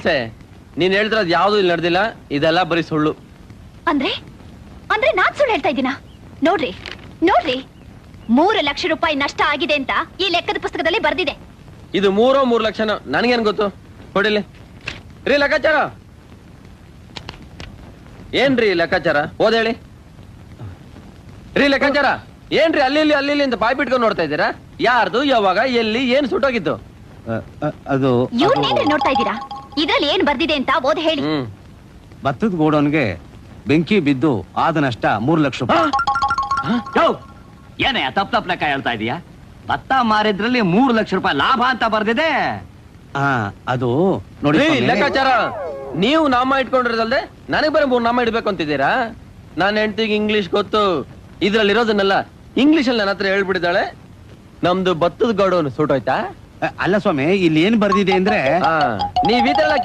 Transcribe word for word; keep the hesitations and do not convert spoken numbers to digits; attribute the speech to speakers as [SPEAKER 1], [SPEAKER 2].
[SPEAKER 1] ಸೊಸೆ, ನೀನ್ ಹೇಳ್ತಿರೋದು ಯಾವ್ದು ಇಲ್ಲಿ ನಡೆದಿಲ್ಲ, ಇದೆಲ್ಲ ಬರೀ ಸುಳ್ಳು.
[SPEAKER 2] ಅಂದ್ರೆ ಅಂದ್ರೆ ನಾನ್ ಸುಳ್ಳು ಹೇಳ್ತಾ ಇದ್ದೀನ? ನೋಡ್ರಿ ನೋಡ್ರಿ, ಮೂರು ಲಕ್ಷ ರೂಪಾಯಿ ನಷ್ಟ ಆಗಿದೆ ಅಂತ ಈ ಲೆಕ್ಕದ ಪುಸ್ತಕದಲ್ಲಿ ಬರ್ದಿದೆ.
[SPEAKER 1] ಇದು ಮೂರೋ ಮೂರು ಲಕ್ಷನ ನನ್ಗೇನ್ ಗೊತ್ತು? ಕೊಡಿಲಿ ರೀ ಲೆಕ್ಕಾಚಾರ. ಏನ್ರಿ ಲೆಕ್ಕಾಚಾರ? ಓದ್ ಹೇಳಿ ರೀ ಲೆಕ್ಕಾಚಾರ. ಏನ್ರಿ ಅಲ್ಲಿ ಇಲ್ಲಿ ಅಲ್ಲಿ ಇಲ್ಲಿ ಅಂತ ಬಾಯ್ ಬಿಟ್ಕೊಂಡು ನೋಡ್ತಾ ಇದ್ದೀರಾ? ಯಾರ್ದು, ಯಾವಾಗ, ಎಲ್ಲಿ, ಏನ್ ಸುಟ್ಟೋಗಿತ್ತು?
[SPEAKER 3] ಅದು
[SPEAKER 2] ಇವ್ನೇನ್ರಿ ನೋಡ್ತಾ ಇದ್ದೀರಾ? ಇದ್ರಲ್ಲಿ ಏನ್ ಬರ್ದಿದೆ ಅಂತ ಓದ್ ಹೇಳಿ.
[SPEAKER 1] ಹ್ಮ್
[SPEAKER 3] ಭತ್ತದ ಗೋಡನ್ಗೆ ಬೆಂಕಿ ಬಿದ್ದು ಆದ ನಷ್ಟ ಮೂರು ಲಕ್ಷ ರೂಪಾಯಿ.
[SPEAKER 4] ಏನೇ ತಪ್ಪ ತಪ್ಪ ಲೆಕ್ಕ ಹೇಳ್ತಾ ಇದೀಯಾ? ಭತ್ತ ಮಾರಿದ್ರಲ್ಲಿ ಮೂರು ಲಕ್ಷ ರೂಪಾಯಿ ಲಾಭ ಅಂತ ಬರ್ದಿದೆ.
[SPEAKER 3] ಹಾ, ಅದು ನೋಡಿ
[SPEAKER 1] ರೀ
[SPEAKER 3] ಸ್ವಾಮಿ.
[SPEAKER 1] ಲೆಕ್ಕಾಚಾರ, ನೀವು ನಾಮ ಇಟ್ಕೊಂಡಿರೋದಲ್ದೆ ನನಗ್ ಬರೀ ಮೂರ್ ನಾಮ ಇಡ್ಬೇಕು ಅಂತಿದ್ದೀರಾ? ನಾನ್ ಹೆಂಡತಿಗೆ ಇಂಗ್ಲಿಷ್ ಗೊತ್ತು, ಇದ್ರಲ್ಲಿ ಇರೋದನ್ನೆಲ್ಲ ಇಂಗ್ಲಿಷ್ ಅಲ್ಲಿ ನನ್ನ ಹತ್ರ ಹೇಳ್ಬಿಟ್ಟಿದ್ದಾಳೆ. ನಮ್ದು ಭತ್ತದ ಗೋಡೌನ್ ಸುಟ್ಟೋಯ್ತಾ?
[SPEAKER 3] ಅಲ್ಲ ಸ್ವಾಮಿ, ಇಲ್ಲಿ ಏನ್ ಬರ್ದಿದೆ ಅಂದ್ರೆ
[SPEAKER 1] ನೀವ್ ಈ ತರ